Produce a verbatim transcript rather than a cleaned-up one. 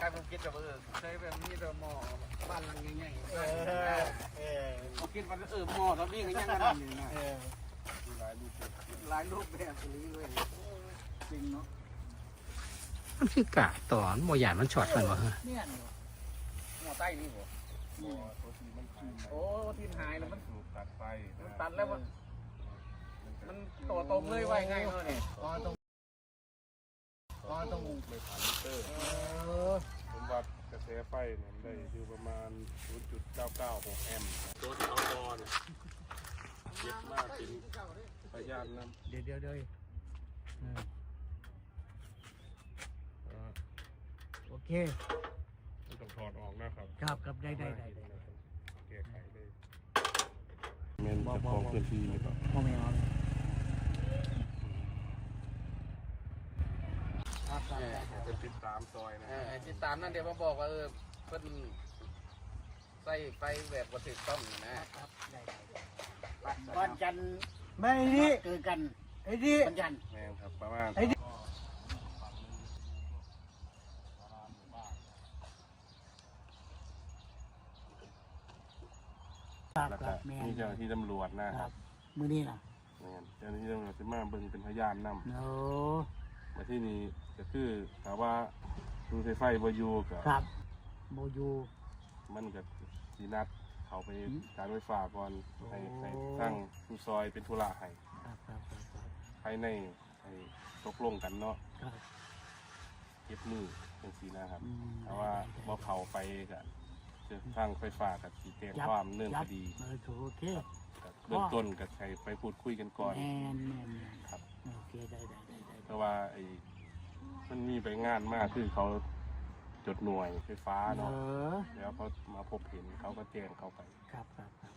ผมคิดแบบเออใช้แบบนี้เราหม้อบ้านหลังใหญ่ๆเออเออผมคิดว่าเออหม้อเรานี่ก็ยังกันนั่นนี่นะหลายรูปหลายรูปแบบนี้เลยจริงเนาะมันคือกะต่อมันโมหยาดมันช็อตมันวะฮะเนี่ยหม้อใต้นี่บ่โอ้ที่หายแล้วมันตัดไปมันตัดแล้วมันมันต่อตรงเลยไว้ไงเนาะเนี่ยอ๋อตรงอ๋อตรงเลยผ่านมิเตอร์ผมวัดกระแสไฟเนี่ยได้อยู่ประมาณ ศูนย์จุดเก้าเก้าหก แอมป์ตัวที่เอาบอลเย็บมากจริงพยานนะเดี๋ยวเดี๋ยวเดี๋ยวโอเคต้องถอดออกนะครับครับครับได้ได้ได้แก้ไขได้เมนจะฟ้องพื้นที่หรือเปล่าพ่อแม่จะติดตามซอยนะติดตามนั่นเดี๋ยวมาบอกว่าเออเพิ่นใส่ไฟแบบว่าถูกต้องนะครับวันจันทร์ไม่นี่เกิดกันไอ้นี่วันจันทร์แม่ครับประมาณไอ้นี่แล้วก็นี่เจ้าหน้าที่ตำรวจนะครับมือนี่นะเจ้าหน้าที่ตำรวจจะมาเบิ่งเป็นพยานนำโอ้มาที่นี่ก็คือถามว่าดูไฟไฟโบยูกับโบยูมันกับสีนัดเขาไปการไฟฟ้าก่อนให้ให้สร้างผู้ซอยเป็นธุระให้ภายในให้ตกลงกันเนาะเก็บมือเป็นสีนะครับแต่ว่าบ่เขาไปกับจะสร้างไฟฟ้ากับสีเตรียมความเนื่องคดีเบื้องต้นกับใครไปพูดคุยกันก่อนครับเพราะว่าไอ้มันมีไปงานมากคือเขาจดหน่วยไฟฟ้าเนาะแล้วเขามาพบเห็นเขาก็แจ้งเขาไปครับครับ